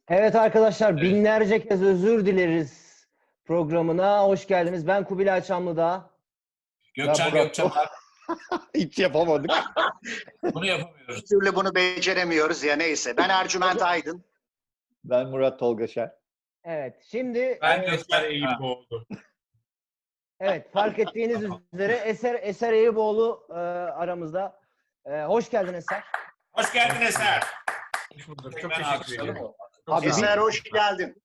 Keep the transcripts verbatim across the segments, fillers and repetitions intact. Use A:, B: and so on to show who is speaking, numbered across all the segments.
A: Evet arkadaşlar,
B: Evet.
A: binlerce kez özür dileriz programına. Hoş geldiniz. Ben Kubilay Çamlıdağ.
B: Gökçen
C: Murat
B: Gökçen abi.
C: Hiç yapamadık.
B: Bunu yapamıyoruz.
D: Bir türlü bunu beceremiyoruz ya neyse. Ben Ercüment Aydın.
C: Ben Murat Tolgaşer.
A: Evet, şimdi
B: Ben
A: e,
B: Gökçen
E: Eser
B: Ha.
E: Eyüboğlu.
A: evet fark ettiğiniz üzere Eser Eser Eyüboğlu e, aramızda. E, hoş geldin Eser.
B: Hoş geldin Eser.
E: Hoş bulduk.
B: Tek
E: Çok
B: ben
E: teşekkür
B: alkışladım
E: ederim.
B: o.
C: Abi
D: Eser hoş geldin.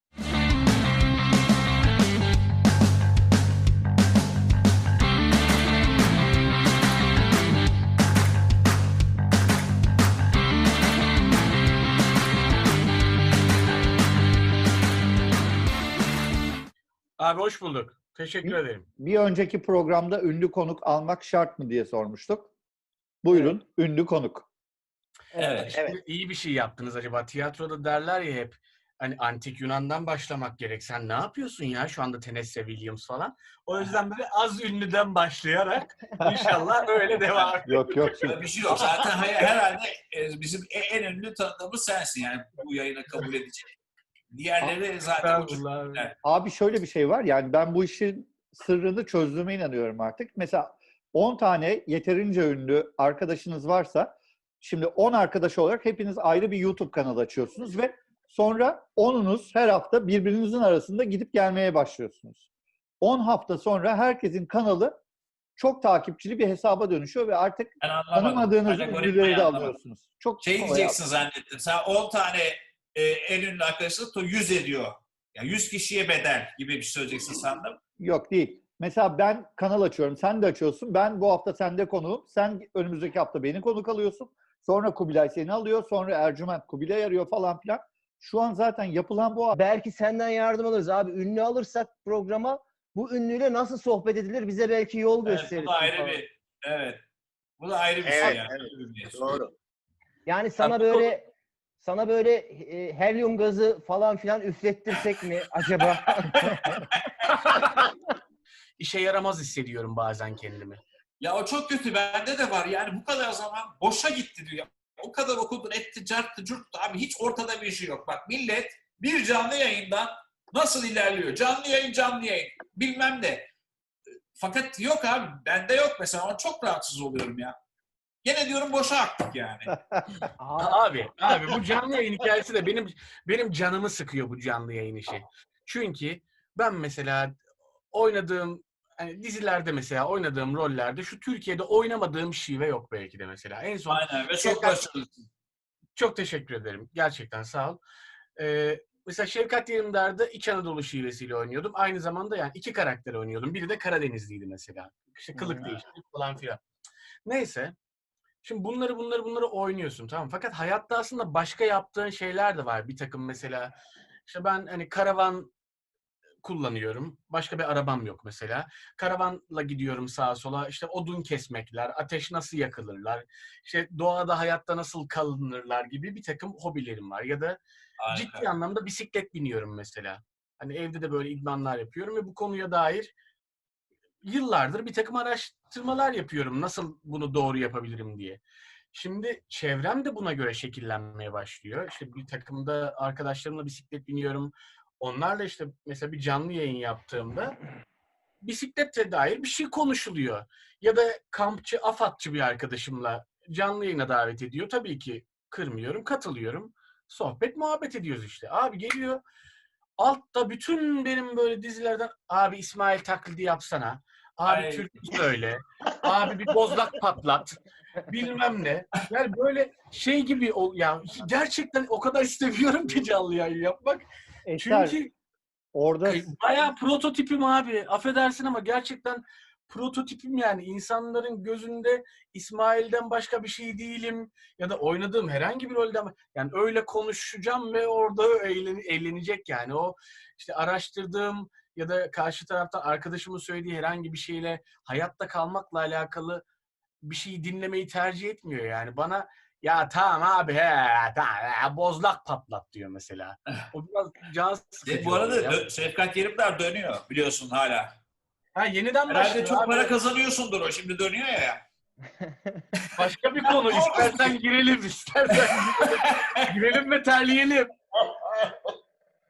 E: Abi hoş bulduk. Teşekkür ederim.
C: bir önceki programda ünlü konuk almak şart mı diye sormuştuk. Buyurun, ünlü konuk.
B: Evet.
E: Şimdi
D: Evet.
E: iyi bir şey yaptınız acaba. Tiyatroda derler ya hep hani antik Yunan'dan başlamak gerek. Sen ne yapıyorsun ya şu anda Tennessee Williams falan. O yüzden böyle az ünlüden başlayarak inşallah öyle devam.
C: Yok yok. Şimdi,
B: Öyle bir şey yok. Zaten hay- herhalde e, bizim e- en ünlü tanıdığımız sensin yani bu yayını kabul edecek. Diğerleri zaten uçuk.
E: Estağfurullah abi.
B: Evet.
C: abi şöyle bir şey var. Yani ben bu işin sırrını çözdüğüme inanıyorum artık. Mesela on tane yeterince ünlü arkadaşınız varsa şimdi on arkadaş olarak hepiniz ayrı bir YouTube kanalı açıyorsunuz ve sonra onunuz her hafta birbirinizin arasında gidip gelmeye başlıyorsunuz. on hafta sonra herkesin kanalı çok takipçili bir hesaba dönüşüyor ve artık
B: Ben anlamadım.
C: tanımadığınız
B: Algoritmayı
C: ünlüleri de
B: anlamadım.
C: alıyorsunuz. Çok
B: Şey
C: kolay
B: diyeceksin zannettim. Sen on tane e, en ünlü arkadaşlık to yüz ediyor. Yani yüz kişiye bedel gibi bir şey söyleyeceksin sandım.
C: Yok değil. Mesela ben kanal açıyorum, sen de açıyorsun. Ben bu hafta sende konuğum. Sen önümüzdeki hafta beni konuk alıyorsun. Sonra Kubilay seni alıyor. Sonra Ercüment Kubilay arıyor falan filan. Şu an zaten yapılan bu.
A: Belki senden yardım alırız abi. Ünlü alırsak programa bu ünlüyle nasıl sohbet edilir bize belki yol
B: Evet,
A: gösterir.
B: bu da ayrı bir evet. Bu da ayrı bir şey
D: Evet,
B: yani.
D: evet. Doğru.
A: Yani sana
E: Tabii.
A: böyle sana böyle e, helyum gazı falan filan üflettirsek mi acaba?
E: İşe yaramaz hissediyorum bazen kendimi.
B: Ya o çok kötü. Bende de var. Yani bu kadar zaman boşa gitti diyor. O kadar okudun, etti, carttı, curttu. Abi hiç ortada bir şey yok. Bak millet bir canlı yayından nasıl ilerliyor? Canlı yayın, canlı yayın. Bilmem ne. Fakat yok abi. Bende yok mesela. Ama çok rahatsız oluyorum ya. Gene diyorum boşa aktık yani.
E: Abi, abi bu canlı yayın hikayesi de benim benim canımı sıkıyor bu canlı yayın işi. Çünkü ben mesela oynadığım hani dizilerde mesela oynadığım rollerde şu Türkiye'de oynamadığım şive yok belki de mesela. En son
B: Aynen ve çok
E: Şevkat-
B: başarılısın.
E: çok teşekkür ederim. Gerçekten sağ ol. Ee, mesela Şevkat Yerimdar'da İç Anadolu şivesiyle oynuyordum. Aynı zamanda yani iki karakter oynuyordum. Biri de Karadenizliydi mesela. İşte kılık
A: Hmm.
E: değişiklik falan filan. Neyse. Şimdi bunları bunları bunları oynuyorsun tamam. Fakat hayatta aslında başka yaptığın şeyler de var. Bir takım mesela işte ben hani karavan kullanıyorum. Başka bir arabam yok mesela. Karavanla gidiyorum sağa sola. İşte odun kesmekler, ateş nasıl yakılırlar, işte doğada hayatta nasıl kalınırlar gibi bir takım hobilerim var. Ya da
B: Harika.
E: ciddi anlamda bisiklet biniyorum mesela. Hani evde de böyle idmanlar yapıyorum ve bu konuya dair yıllardır bir takım araştırmalar yapıyorum. Nasıl bunu doğru yapabilirim diye. Şimdi çevrem de buna göre şekillenmeye başlıyor. İşte bir takımda arkadaşlarımla bisiklet biniyorum. Onlarla işte mesela bir canlı yayın yaptığımda bisikletle dair bir şey konuşuluyor. Ya da kampçı, afatçı bir arkadaşımla canlı yayına davet ediyor. Tabii ki kırmıyorum, katılıyorum. Sohbet, muhabbet ediyoruz işte. Abi geliyor. Altta bütün benim böyle dizilerden abi İsmail taklidi yapsana. Abi
B: Ay.
E: türkü söyle. Abi bir bozlak patlat. Bilmem ne. Yani böyle şey gibi ol ya gerçekten o kadar seviyorum ki canlı yayın yapmak.
C: Eser,
E: Çünkü
C: orada
E: bayağı prototipim abi. Affedersin ama gerçekten prototipim yani. İnsanların gözünde İsmail'den başka bir şey değilim. Ya da oynadığım herhangi bir rolden yani öyle konuşacağım ve orada eğlen, eğlenecek yani. O işte araştırdığım ya da karşı taraftan arkadaşımın söylediği herhangi bir şeyle hayatta kalmakla alakalı bir şeyi dinlemeyi tercih etmiyor yani. Bana ya tamam abi he tamam he, bozlak patlat diyor mesela. O biraz can sıkıcı
B: E, bu arada
E: oluyor ya.
B: dö- Şevkat Yerimdar dönüyor biliyorsun hala.
E: Ha yeniden
B: Herhalde
E: başladı
B: çok
E: abi.
B: para kazanıyorsundur o. Şimdi dönüyor ya.
E: Başka bir konu. İstersen girelim, istersen girelim. Girelim ve terleyelim.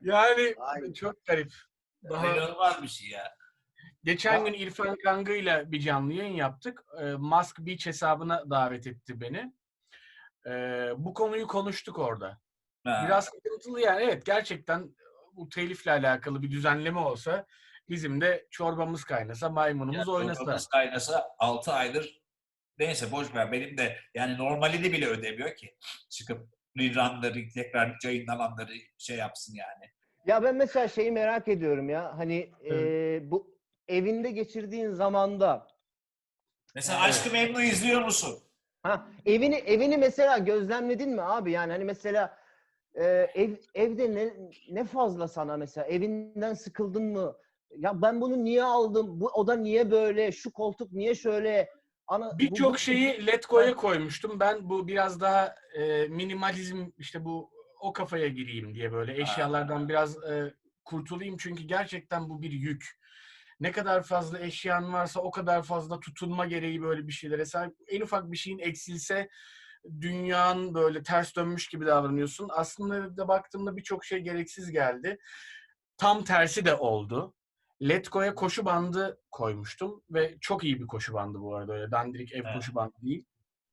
E: Yani
D: Ay.
E: çok garip. Daha
B: İnanılmaz bir şey ya.
E: geçen
B: Ya-
E: gün İrfan Kangı'yla bir canlı yayın yaptık. Ee, Musk Beach hesabına davet etti beni. Ee, bu konuyu konuştuk orada.
B: Ha.
E: Biraz sıkıntılı yani. Evet, gerçekten bu telifle alakalı bir düzenleme olsa bizim de çorbamız kaynasa, maymunumuz
B: Yani
E: oynasa.
B: çorbamız kaynasa altı aydır neyse boş ver, benim de yani normalini bile ödemiyor ki. Çıkıp rerunları tekrar yayınlananları şey yapsın yani.
A: Ya ben mesela şeyi merak ediyorum ya. Hani
E: Evet.
A: e, bu evinde geçirdiğin zamanda
B: Mesela
A: Evet.
B: Aşk-ı Memnu izliyor musun?
A: ha evini evini mesela gözlemledin mi abi? Yani hani mesela e, ev evde ne ne fazla sana mesela evinden sıkıldın mı? Ya ben bunu niye aldım? Bu oda niye böyle? Şu koltuk niye şöyle? Ana bu, bu
E: Birçok şeyi Letgo'ya koymuştum. Ben bu biraz daha e, minimalizm, işte bu o kafaya gireyim diye böyle eşyalardan biraz e, kurtulayım. Çünkü gerçekten bu bir yük. Ne kadar fazla eşyan varsa o kadar fazla tutunma gereği böyle bir şeylere sahip. En ufak bir şeyin eksilse dünyanın böyle ters dönmüş gibi davranıyorsun. Aslında da baktığımda birçok şey gereksiz geldi. Tam tersi de oldu. Letgo'ya koşu bandı koymuştum ve çok iyi bir koşu bandı bu arada. Öyle dandirik ev
B: Evet.
E: koşu bandı değil.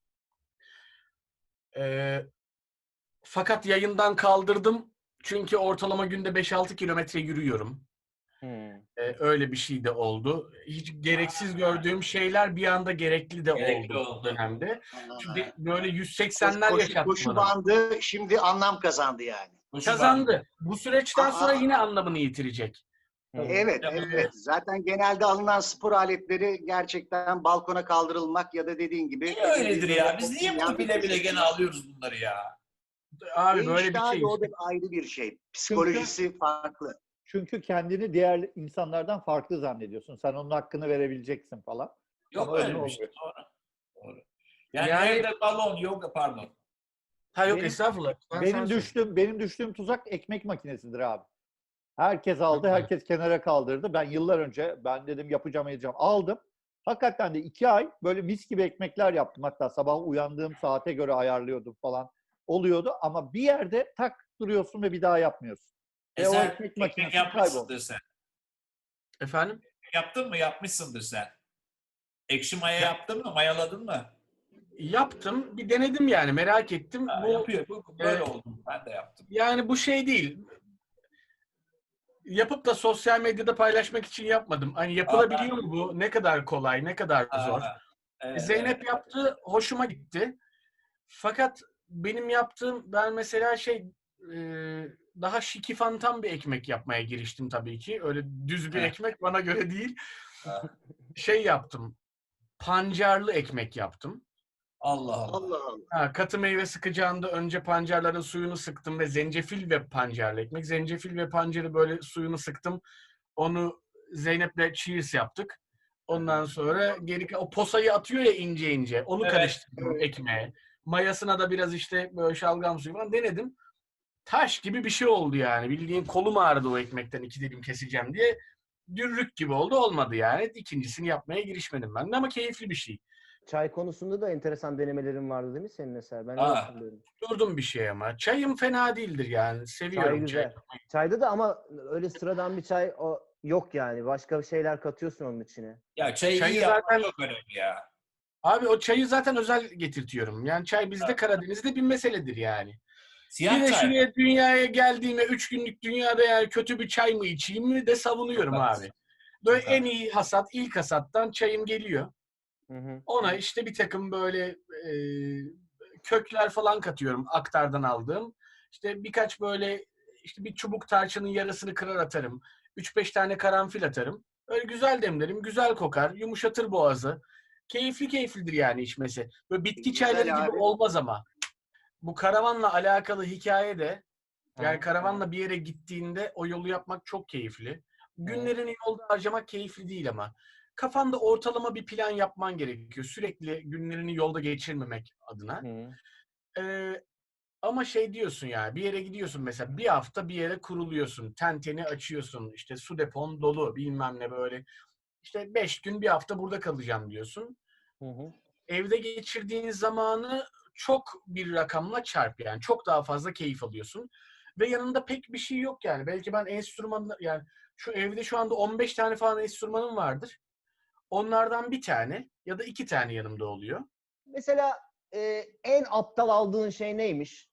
E: Ee, fakat yayından kaldırdım. Çünkü ortalama günde beş altı kilometre yürüyorum.
A: Hmm.
E: Ee, öyle bir şey de oldu. Hiç gereksiz gördüğüm şeyler bir anda gerekli de
B: Gerekli
E: oldu bu
B: oldu.
E: dönemde. Çünkü
D: Aa,
E: böyle yüz
D: koşu,
E: seksenler
D: koşu,
E: yaşattı
D: koşu
E: bana.
D: bandı şimdi anlam kazandı yani.
B: Koşu bandı.
E: Kazandı. Bu süreçten sonra
D: Aa,
E: yine anlamını yitirecek.
D: evet,
E: Ee,
D: evet. Zaten genelde alınan spor aletleri gerçekten balkona kaldırılmak ya da dediğin gibi
B: Niye öyledir
D: böyle
B: ya? Biz niye bunu
D: olmayan bir
B: bile bile
D: köşesi.
B: gene alıyoruz bunları ya?
E: abi
D: E
E: böyle bir
D: işte
E: şey
D: abi o
E: işte.
D: da ayrı bir şey. Psikolojisi farklı.
C: Çünkü kendini diğer insanlardan farklı zannediyorsun. Sen onun hakkını verebileceksin falan.
B: Yok
C: Ama öyle
B: öyle bir şey.
C: olmuyor.
B: Doğru. Doğru. Yani,
E: Yani
B: evde balon, yoga pardon.
E: ha yok
C: Benim-
E: estağfurullah. Ben
C: Benim
E: sana söyleyeyim.
C: düştüğüm benim düştüğüm tuzak ekmek makinesidir abi. Herkes aldı,
E: Hı hı.
C: herkes kenara kaldırdı. Ben yıllar önce ben dedim yapacağım edeceğim. Aldım. Hakikaten de iki ay böyle mis gibi ekmekler yaptım. Hatta sabah uyandığım saate göre ayarlıyordum falan. Oluyordu ama bir yerde tak duruyorsun ve bir daha yapmıyorsun.
B: E
C: Ve o
B: sen
C: ekmek
B: ekmek
C: makinesi
B: yapmışsındır
C: kayboldu.
B: sen.
E: Efendim?
B: Yaptın mı? Yapmışsındır sen. Ekşi maya
E: Ya-
B: yaptın mı? Mayaladın mı?
E: Yaptım. Bir denedim yani. Merak ettim.
B: Ha,
E: Bu
B: yapıyor. Bu, böyle
E: e,
B: oldu. Ben de yaptım.
E: yani bu şey değil. Yapıp da sosyal medyada paylaşmak için yapmadım. Hani yapılabiliyor mu bu? Ne kadar kolay, ne kadar zor?
B: Aa, evet,
E: Zeynep
B: evet.
E: yaptı, hoşuma gitti. Fakat benim yaptığım, ben mesela şey e, daha şikifantan bir ekmek yapmaya giriştim tabii ki. Öyle düz bir
B: Heh.
E: ekmek bana göre değil.
B: Ha.
E: Şey yaptım, pancarlı ekmek yaptım.
B: Allah Allah.
D: Allah Allah.
E: Ha, katı meyve sıkacağında önce pancarların suyunu sıktım ve zencefil ve pancarlı ekmek. Zencefil ve pancarı böyle suyunu sıktım. Onu Zeynep'le cheers yaptık. Ondan sonra geri o posayı atıyor ya ince ince. Onu
B: Evet,
E: karıştırdım
D: evet.
E: ekmeğe. Mayasına da biraz işte böyle şalgam suyu falan denedim. Taş gibi bir şey oldu yani. Bildiğin kolum ağrıdı o ekmekten iki dilim keseceğim diye. Dürrük gibi oldu. Olmadı yani. İkincisini yapmaya girişmedim ben de ama keyifli bir şey.
A: Çay konusunda da enteresan denemelerin vardı değil mi senin mesela? Ben öyle
B: Aa.
A: hatırlıyorum.
E: Durdum bir şey ama. Çayım fena değildir yani.
A: Çay
E: Seviyorum çay.
A: güzel. Çayda da ama öyle sıradan bir çay o yok yani. Başka şeyler katıyorsun onun içine.
B: Ya çayı,
E: Çayı
B: iyi yapmak
E: zaten-
B: çok önemli ya.
E: Abi o çayı zaten özel getirtiyorum. Yani çay bizde
B: Evet.
E: Karadeniz'de bir meseledir yani. Bir
B: Siyah
E: de
B: çay.
E: şuraya dünyaya geldiğime üç günlük dünyada yani kötü bir çay mı içeyim mi de savunuyorum
B: Çok
E: abi.
B: haklısın.
E: Böyle
B: Çok
E: en iyi hasat, ilk hasattan çayım geliyor.
A: Hı hı.
E: Ona işte bir takım böyle e, kökler falan katıyorum aktardan aldığım. İşte birkaç böyle işte bir çubuk tarçının yarısını kırar atarım. üç beş tane karanfil atarım. Öyle güzel demlerim, güzel kokar, yumuşatır boğazı. Keyifli keyiflidir yani içmesi. Böyle bitki
D: Güzel
E: çayları gibi
D: abi.
E: olmaz ama. Bu karavanla alakalı hikaye de yani
A: Hı.
E: karavanla bir yere gittiğinde o yolu yapmak çok keyifli. Günlerini yolda harcamak keyifli değil ama. Kafanda ortalama bir plan yapman gerekiyor. Sürekli günlerini yolda geçirmemek adına.
A: Hı.
E: Ee, ama şey diyorsun yani bir yere gidiyorsun mesela bir hafta bir yere kuruluyorsun. Tenteni açıyorsun. İşte su depon dolu bilmem ne böyle. İşte beş gün bir hafta burada kalacağım diyorsun.
A: Hı hı.
E: Evde geçirdiğin zamanı çok bir rakamla çarp yani. Çok daha fazla keyif alıyorsun. ve yanında pek bir şey yok yani. Belki ben enstrümanla yani şu evde şu anda on beş tane falan enstrümanım vardır. Onlardan bir tane ya da iki tane yanımda oluyor.
A: Mesela e, en aptal aldığın şey neymiş?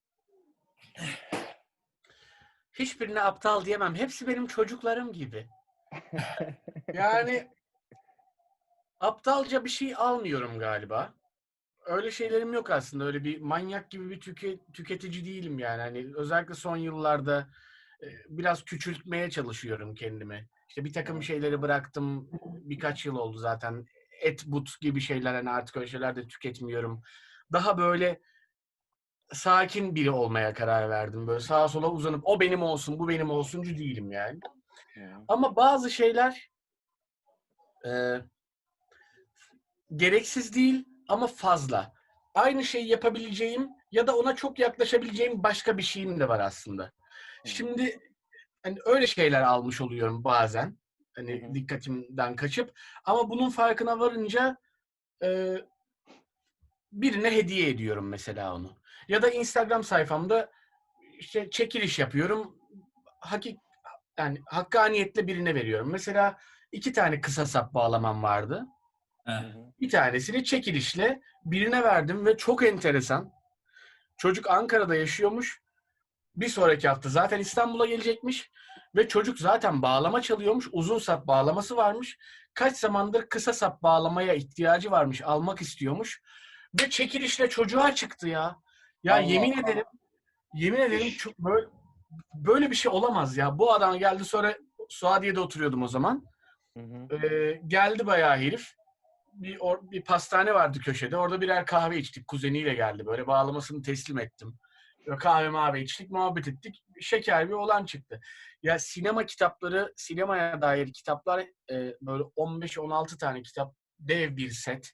E: Hiçbirine aptal diyemem. Hepsi benim çocuklarım gibi. Yani aptalca bir şey almıyorum galiba. Öyle şeylerim yok aslında. Öyle bir manyak gibi bir tüke, tüketici değilim yani. Hani özellikle son yıllarda e, biraz küçültmeye çalışıyorum kendimi. İşte bir takım şeyleri bıraktım. Birkaç yıl oldu zaten. Et, but gibi şeyler hani artık öyle şeyler de tüketmiyorum. Daha böyle sakin biri olmaya karar verdim. Böyle sağa sola uzanıp o benim olsun, bu benim olsuncu değilim yani. Ama bazı şeyler e, gereksiz değil ama fazla. Aynı şeyi yapabileceğim ya da ona çok yaklaşabileceğim başka bir şeyim de var aslında. Şimdi hani öyle şeyler almış oluyorum bazen. Hani
A: Hı hı.
E: dikkatimden kaçıp ama bunun farkına varınca e, birine hediye ediyorum mesela onu. Ya da Instagram sayfamda işte çekiliş yapıyorum. Hakik yani hakkaniyetle birine veriyorum. Mesela iki tane kısa sap bağlamam vardı.
B: Heh.
E: Bir tanesini çekilişle birine verdim ve çok enteresan. Çocuk Ankara'da yaşıyormuş. Bir sonraki hafta zaten İstanbul'a gelecekmiş. Ve çocuk zaten bağlama çalıyormuş. Uzun sap bağlaması varmış. Kaç zamandır kısa sap bağlamaya ihtiyacı varmış. Almak istiyormuş. Ve çekilişle çocuğa çıktı ya. Ya
B: Allah
E: yemin
B: Allah.
E: ederim, yemin ederim çok böyle, böyle bir şey olamaz ya. Bu adam geldi sonra Suadiye'de oturuyordum o zaman.
A: Hı hı.
E: Ee, geldi bayağı herif. Bir, or, bir pastane vardı köşede. Orada birer kahve içtik. Kuzeniyle geldi. Böyle bağlamasını teslim ettim. Böyle kahve mavi içtik, muhabbet ettik. Şeker bir olan çıktı. Ya sinema kitapları, sinemaya dair kitaplar e, böyle on beş on altı tane kitap. Dev bir set.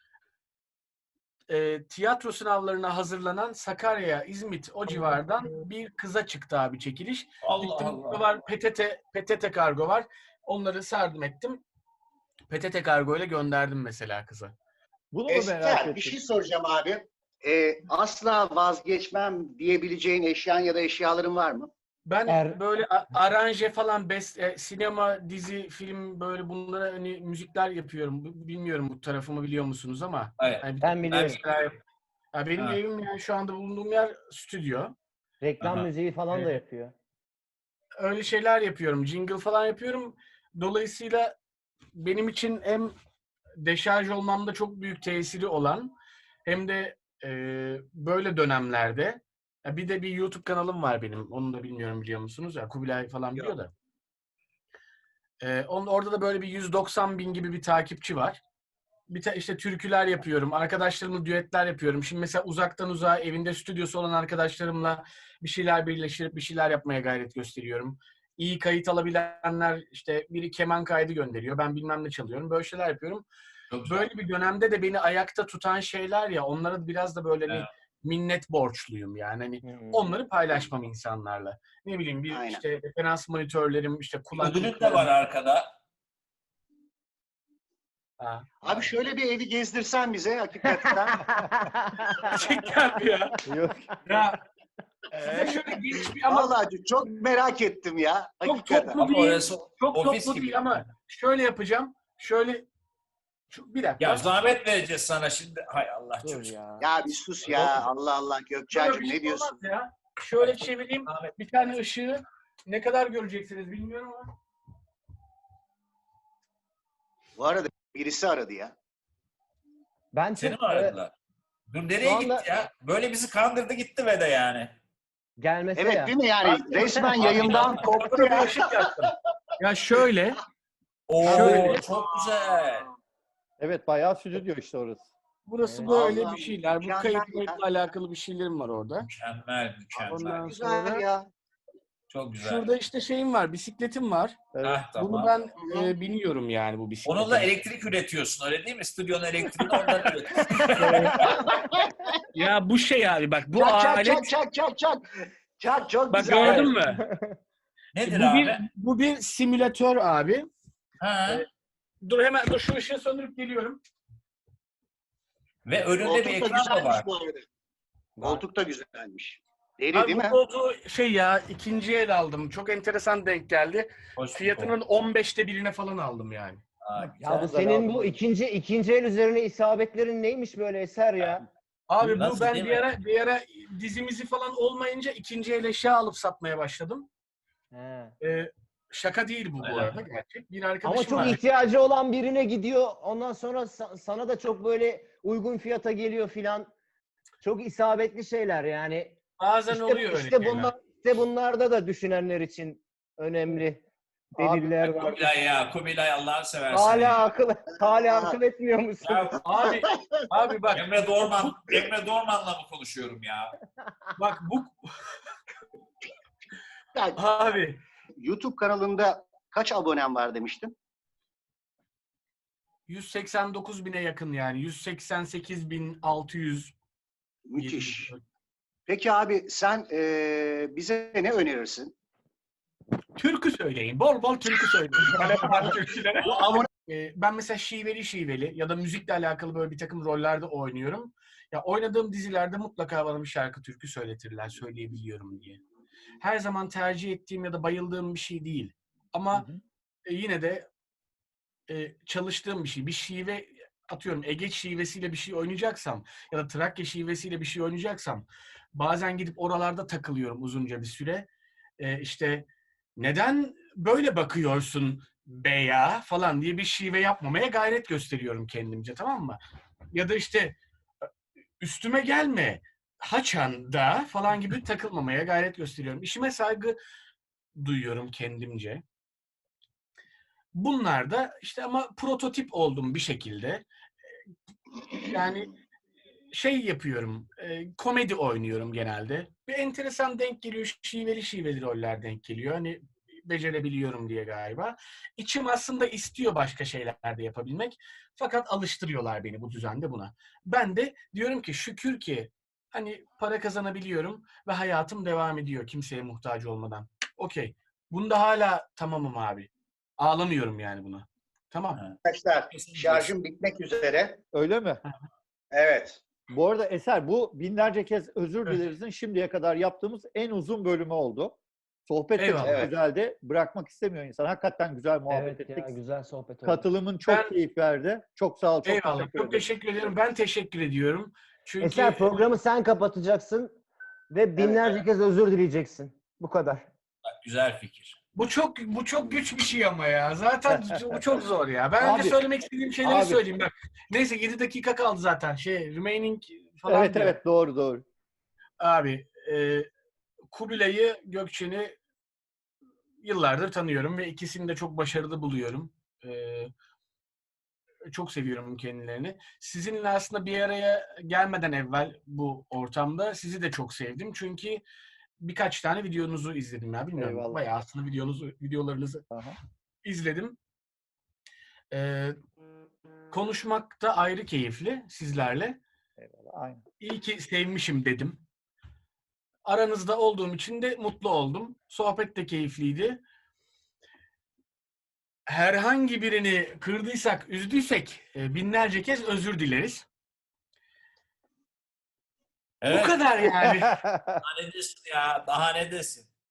E: E, tiyatro sınavlarına hazırlanan Sakarya, İzmit o civardan bir kıza çıktı abi çekiliş.
B: Allah
E: Gittim,
B: Allah.
E: var P T T, P T T kargo var. Onları sardım ettim. P T T kargo ile gönderdim mesela kıza.
C: Bunu mu merak
D: Eser,
C: ettim?
D: bir şey soracağım abi. Ee, asla vazgeçmem diyebileceğin eşyan ya da eşyaların var mı?
E: Ben
A: Er-
E: böyle a- aranje falan, best, e, sinema, dizi, film böyle bunlara hani müzikler yapıyorum. B- Bilmiyorum bu tarafımı biliyor musunuz ama
B: Hayır.
E: hani bir
A: Ben
E: takım
A: biliyorum.
E: şeyler yap- Ya benim
B: Ha.
E: evim yani şu anda bulunduğum yer stüdyo.
A: Reklam
B: Aha.
A: müziği falan da
E: Ee,
A: yapıyor.
E: Öyle şeyler yapıyorum. Jingle falan yapıyorum. Dolayısıyla benim için hem deşarj olmamda çok büyük tesiri olan hem de e, böyle dönemlerde ya bir de bir YouTube kanalım var benim. Onu da bilmiyorum biliyor musunuz? Ya Kubilay falan biliyor da. E, onun, orada da böyle bir yüz doksan bin gibi bir takipçi var. Bir ta, işte türküler yapıyorum. Arkadaşlarımla düetler yapıyorum. Şimdi mesela uzaktan uzağa evinde stüdyosu olan arkadaşlarımla bir şeyler birleştirip bir şeyler yapmaya gayret gösteriyorum. İyi kayıt alabilenler işte biri keman kaydı gönderiyor. Ben bilmem ne çalıyorum. Böyle şeyler yapıyorum.
B: Çok güzel.
E: Böyle bir dönemde de beni ayakta tutan şeyler ya onlara biraz da böyle hani
B: Evet.
E: minnet borçluyum yani. Hani
A: Hı hı.
E: onları paylaşmam insanlarla. Ne bileyim bir
D: Aynen.
E: işte referans monitörlerim, işte
B: Ödülün de
E: kulaklıklarım.
B: var arkada.
E: Ha.
D: Abi şöyle bir evi gezdirsen bize hakikaten.
E: Gerçekten mi ya?
C: Yok.
E: Ya size şöyle geniş bir ama
D: Vallahi çok merak ettim ya.
E: çok
D: Hakikaten.
E: toplu
B: Ama
E: değil.
B: orası
E: Çok
B: ofis
E: toplu
B: gibi.
E: değil ama şöyle yapacağım. Şöyle şu, bir dakika.
B: Ya zahmet vereceğiz sana şimdi. Hay Allah
A: Dur
B: çocuk.
A: ya.
D: Ya bir sus ya. Allah Allah
E: Böyle
D: Gökçen'cim
E: bir şey
D: ne diyorsun?
E: olmaz ya. Şöyle çevireyim.
B: Zahmet.
E: Bir tane ışığı ne kadar göreceksiniz bilmiyorum ama.
D: Bu arada birisi aradı ya.
A: Ben
B: Seni
A: çok
B: mi
A: e,
B: aradılar? Dur nereye
A: şu anda-
B: gitti ya? Böyle bizi kandırdı gitti ve de yani.
A: gelmese
D: Evet
A: ya.
D: değil mi yani? Resmen yayından koptu
E: Burada bir
D: ya.
E: ışık yaktım. Ya şöyle.
B: Oo
E: Şöyle.
B: çok güzel.
C: Evet, bayağı stüdyo işte orası.
E: Burası
A: Evet.
E: böyle
D: Allah'ım,
E: bir şeyler. Bu
D: mükemmel
E: kayıt
D: ya.
E: kayıtla alakalı bir şeylerim var orada.
B: Mükemmel mükemmel.
E: Ondan
D: Güzel
E: sonra
D: ya.
B: Çok güzel.
E: şurada işte şeyim var, bisikletim var.
C: Evet.
B: Hah, tamam.
E: Bunu ben e, biniyorum yani bu bisiklete.
B: Onunla elektrik üretiyorsun öyle değil mi? Stüdyonun elektriğini ondan üretiyorsun.
E: Ya bu şey abi bak bu
D: Çak çak
E: alet
D: çak çak çak çak. Çak çok
E: bak
D: güzel.
E: gördün mü?
B: Nedir
E: bu
B: abi?
E: bir bu bir simülatör abi.
B: Ha.
E: Evet. Dur hemen dur şu ışığı söndürüp geliyorum.
B: Ve önünde
D: Koltuk
B: bir
D: da
B: ekran da
D: güzelmiş
B: var.
D: bu arada. Koltuk da güzelmiş. Deli
E: Abi
D: değil
E: bu
D: mi?
E: koltuğu şey ya ikinci el aldım. Çok enteresan denk geldi.
B: Hoş bir
E: Fiyatının on beşte birine falan aldım yani.
B: Aa,
A: Ya bu
C: Sen de
A: senin
C: lazım
A: bu
C: olur.
A: ikinci ikinci el üzerine isabetlerin neymiş böyle Eser ya?
E: Abi bu
B: Nasıl,
E: ben
B: değil
E: bir
B: mi?
E: ara bir ara dizimizi falan olmayınca ikinci el eşya alıp satmaya başladım.
A: He.
E: Ee, şaka değil bu bu
B: Öyle
E: arada
B: mi?
E: gerçek. Bir
A: Ama
E: arkadaşım
A: çok
E: var.
A: ihtiyacı olan birine gidiyor. Ondan sonra sa- sana da çok böyle uygun fiyata geliyor filan. Çok isabetli şeyler yani.
E: Bazen
A: İşte
E: oluyor öyle
A: işte
E: şeyler.
A: bunlar işte bunlarda da düşünenler için önemli deliller var.
B: Kubilay ya, Kubilay Allah'ını seversen
A: Hala
B: ya.
A: akıl hala akıl etmiyor musun?
B: Ya
E: Abi abi bak
B: Emre Dorman, Emre Dorman'la mı konuşuyorum ya?
E: bak bu
D: Ya,
E: abi
D: YouTube kanalında kaç abonen var demiştin?
E: yüz seksen dokuz bine yakın yani. yüz seksen sekiz bin altı yüz.
D: Müthiş. Peki abi sen eee, bize ne önerirsin?
E: Türkü söyleyin. Bol bol türkü söyleyin. Talep var türkülere.
D: Bu abone
E: Ee, ben mesela şiveli şiveli ya da müzikle alakalı böyle bir takım rollerde oynuyorum. Ya oynadığım dizilerde mutlaka bana bir şarkı türkü söyletirler, söyleyebiliyorum diye. Her zaman tercih ettiğim ya da bayıldığım bir şey değil. Ama
C: Hı hı.
E: e, yine de e, çalıştığım bir şey. Bir şive atıyorum Ege şivesiyle bir şey oynayacaksam ya da Trakya şivesiyle bir şey oynayacaksam bazen gidip oralarda takılıyorum uzunca bir süre. E, işte neden böyle bakıyorsun be ya falan diye bir şive yapmamaya gayret gösteriyorum kendimce, tamam mı? Ya da işte üstüme gelme haçan da falan gibi takılmamaya gayret gösteriyorum. İşime saygı duyuyorum kendimce. Bunlar da işte ama prototip oldum bir şekilde. Yani şey yapıyorum, e, komedi oynuyorum genelde. Bir enteresan denk geliyor, şiveli şiveli roller denk geliyor. Hani becerebiliyorum diye galiba. İçim aslında istiyor başka şeyler de yapabilmek. Fakat alıştırıyorlar beni bu düzende buna. Ben de diyorum ki şükür ki hani para kazanabiliyorum ve hayatım devam ediyor kimseye muhtaç olmadan. Okey. Bunda hala tamamım abi. Ağlamıyorum yani buna. Tamam.
D: arkadaşlar şarjım bitmek üzere.
C: Öyle mi?
D: Evet.
C: Bu arada Eser, bu binlerce kez özür
E: Evet.
C: dileriz'in şimdiye kadar yaptığımız en uzun bölümü oldu. Sohbet de çok
E: Eyvallah.
D: Evet.
C: güzeldi. Bırakmak istemiyor insan. Hakikaten güzel muhabbet
A: Evet
C: ettik.
A: ya güzel sohbet oldu.
C: Katılımın çok
E: Ben-
C: keyif verdi. Çok sağ ol. Çok
E: Eyvallah.
C: teşekkür
E: Çok
C: ederim.
E: teşekkür ederim. Ben teşekkür ediyorum. Çünkü
A: Eser programı sen kapatacaksın ve binlerce kez özür dileyeceksin. Bu kadar.
B: Güzel fikir.
E: bu çok bu çok güç bir şey ama ya. Zaten bu çok zor ya. Ben önce
C: Abi,
E: söylemek istediğim şeyleri
C: abi.
E: söyleyeyim bak. Neyse yedi dakika kaldı zaten. Şey remaining falan
C: Evet
E: diyor.
C: evet doğru doğru.
E: Abi e, Kubilay'ı, Gökçen'i yıllardır tanıyorum ve ikisini de çok başarılı buluyorum. E, çok seviyorum kendilerini. Sizinle aslında bir araya gelmeden evvel bu ortamda sizi de çok sevdim. Çünkü birkaç tane videonuzu izledim ya. Bilmiyorum.
C: Eyvallah.
E: Bayağı aslında videonuzu, videolarınızı
C: Aha.
E: izledim. Ee, konuşmak da ayrı keyifli sizlerle.
C: Eyvallah. Aynen.
E: İyi ki sevmişim dedim. Aranızda olduğum için de mutlu oldum. Sohbet de keyifliydi. Herhangi birini kırdıysak, üzdüysek e, binlerce kez özür dileriz.
B: Evet.
E: Bu kadar yani.
B: Daha ne desin ya? Daha ne desin?